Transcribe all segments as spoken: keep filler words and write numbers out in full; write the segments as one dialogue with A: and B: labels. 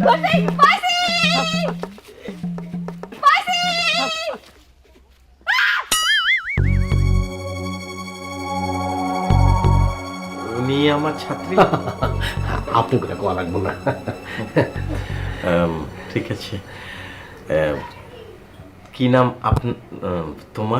A: উনি আমার ছাত্রী।
B: আপনি করে কোয়া লাগবো না।
A: ঠিক আছে, কি নাম আপন তোমার?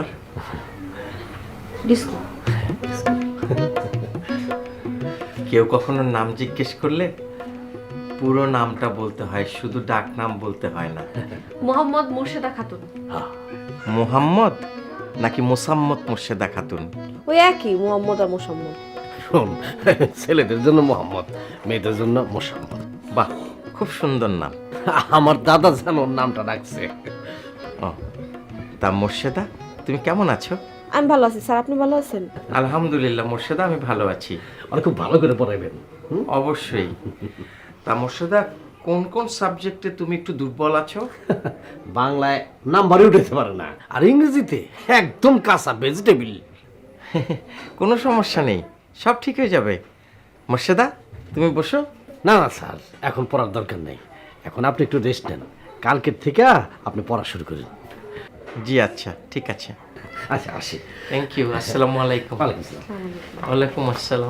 A: কেউ কখনো নাম জিজ্ঞেস করলে পুরো নামটা বলতে হয়, শুধু ডাক নাম বলতে হয় না।
C: মোহাম্মদ মোর্শেদা খাতুন।
A: মোহাম্মদ নাকি মোসাম্মদ মোর্শেদা খাতুন?
C: ওই একই, মোহাম্মদ আর মোসাম্মদ।
B: শোন, ছেলেদের জন্য মোহাম্মদ, মেয়েদের জন্য মোসাম্মদ।
A: বাহ, খুব সুন্দর নাম।
B: আমার দাদা যেন ওর নামটা রাখছে।
A: ও তা মোর্শেদা, তুমি কেমন আছো?
C: আমি ভালো আছি স্যার, আপনি ভালো আছেন?
A: আলহামদুলিল্লাহ মোর্শেদা, আমি ভালো আছি।
B: আর খুব ভালো করে পড়াইবেন।
A: অবশ্যই। তা মোর্শেদা, কোন কোন সাবজেক্টে তুমি একটু দুর্বল আছো?
B: বাংলায় নাম্বারই উঠাতে পারে না, আর ইংরেজিতে একদম কাঁচা ভেজিটেবিল।
A: কোনো সমস্যা নেই, সব ঠিক হয়ে যাবে। মোর্শেদা, তুমি বসো।
B: না না স্যার, এখন পড়ার দরকার নেই, এখন আপনি একটু রেস্ট নেন, কালকের থেকে আপনি পড়া শুরু করেন।
A: জি আচ্ছা, ঠিক আছে।
B: আচ্ছা আসি।
A: Thank you. আসসালামু আলাইকুম।
B: ওয়ালাইকুম আসসালাম।
A: ওয়ালাইকুম আসসালাম।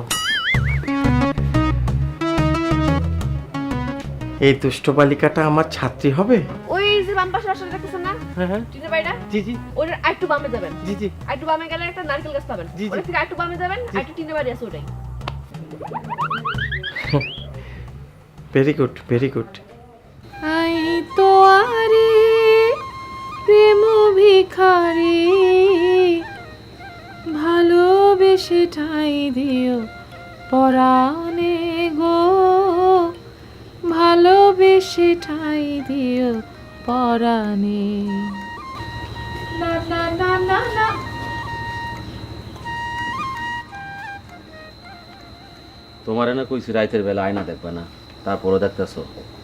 A: এই দুষ্ট বালিকাটা আমার ছাত্রী হবে?
C: ওই যে বাম পাশে রাস্তাটা দেখতেছেন না,
A: হ্যাঁ হ্যাঁ,
C: চিনতে পারি না?
A: জি জি
C: ওর আরেকটু বামে যাবেন।
A: জি জি।
C: আরেকটু বামে গেলে একটা নারকেল গাছ পাবেন।
A: জি, জি।
C: ওর থেকে আরেকটু বামে যাবেন, আরেকটু টিনের বাড়ি আছে ওটাই।
A: Very good, very good.
D: আই তো আরে প্রেম ভিখারি, ভালোবেসে ঠাই দিও পরাণে গো, ভালোবেসে ঠাই দিও পরাণে। না না না না না।
E: তোমার না কইছি রাতের বেলা আয়না দেখবে না, তারপরও দেখতেছো।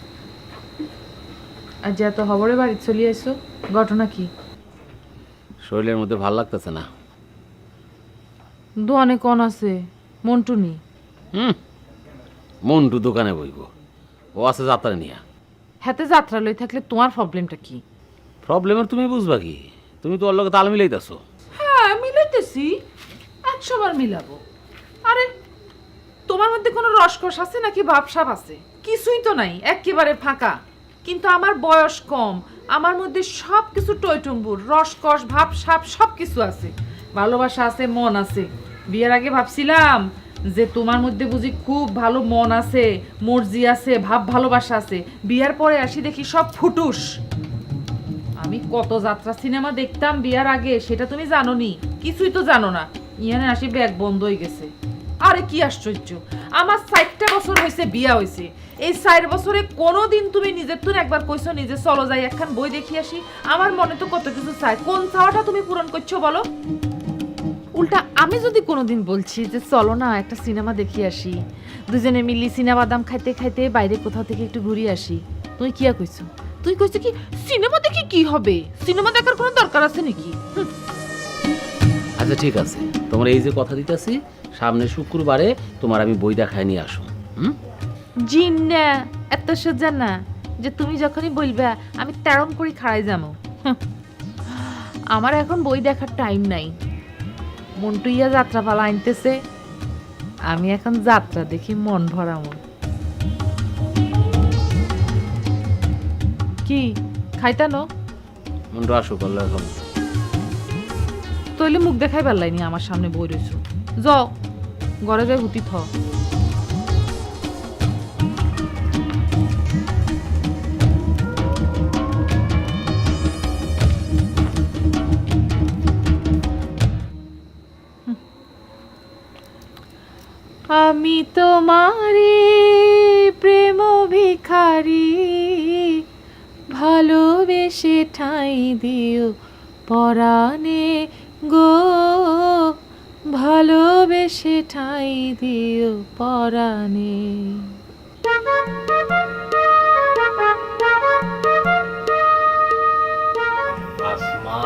D: আজ এত খবরে বাড়ি চলে আইছো, ঘটনা কি?
E: শরীরের মধ্যে ভাল লাগতেছে না।
D: দোয়ানে কোন আছে? মন্টু নি?
E: হুম, মন্টু দোকানে বইব, ও আছে যাত্রা নিয়া।
D: হাতে যাত্রা লই থাকলে তোমার প্রবলেমটা কি?
E: প্রবলেমের তুমি বুঝবা কি? তুমি তো ওর লগে তাল মিলাইতেছো।
D: হ্যাঁ মিলাইতেছি, একশো বার মিলাবো। আরে তোমার মধ্যে কোনো রসকস আছে নাকি ভাবসাব আছে? কিছুই তো নাই, একেবারে ফাঁকা। কিন্তু আমার বয়স কম, আমার মধ্যে সব কিছু টইটুম্বুর, রসকস ভাবসাব সব কিছু আছে। ভালোবাসা আছে, মন আছে। বিয়ের আগে ভাবছিলাম যে তোমার মধ্যে বুঝি খুব ভালো মন আছে, মর্জি আছে, ভাব ভালোবাসা আছে। বিয়ার পরে আসি দেখি সব ফুটুস। আমি কত যাত্রা সিনেমা দেখতাম বিয়ার আগে, সেটা তুমি জানো নি? কিছুই তো জানো না। ইয়ানে আসি ব্যাগ বন্ধ হয়ে গেছে। আরে কি আশ্চর্য, আমার ষাটটা বছর হয়েছে বিয়া হয়েছে, এই ষাট বছরে কোনোদিন তুমি নিজের তুন একবার কইছো নিজে চলো যাই একখান বই দেখি আসি? আমার মনে তো কত কিছু চাই, কোন চাওয়াটা তুমি পূরণ করছো বলো? উল্টা আমি যদি কোনোদিন বলছি যে চলো না একটা সিনেমা দেখি আসি, দুজনে মিলি সিনেমা বাদাম খাইতে খাইতে বাইরে কোথাও থেকে একটু ঘুরে আসি, তুই কি কইছো? তুই কইছো কি সিনেমা দেখি কি হবে? সিনেমা দেখার কোনো দরকার আছে নাকি?
E: আচ্ছা ঠিক আছে, তোমার এই যে কথা দিতেছি, সামনে শুক্রবারে তোমার আমি বই দেখায় নিয়ে আসো। হুম,
D: জিন না, এত সোজা না যে তুমি যখনই বলবে আমি তেরম করে খাড়াই যাবো। আমার এখন বই দেখার টাইম নাই। মন্টুইয়া যাত্রা পালা আনতেছে, আমি এখন যাত্রা দেখি মন ভরামো। কি খাইতানো?
E: মন্টু আসো করলে এখন।
D: তইলে মুখ দেখাই পারলাইনি, আমার সামনে বই রয়েছো। যাও ঘরে যাই হুতি থ। আমি তোমারে প্রেম ভিখারি, ভালোবেসে ঠাই দিও পরাণে গো, ভালোবেসে ঠাই দিও পরাণে।
B: আসমা,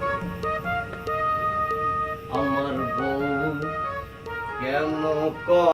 B: আমার বউ কেন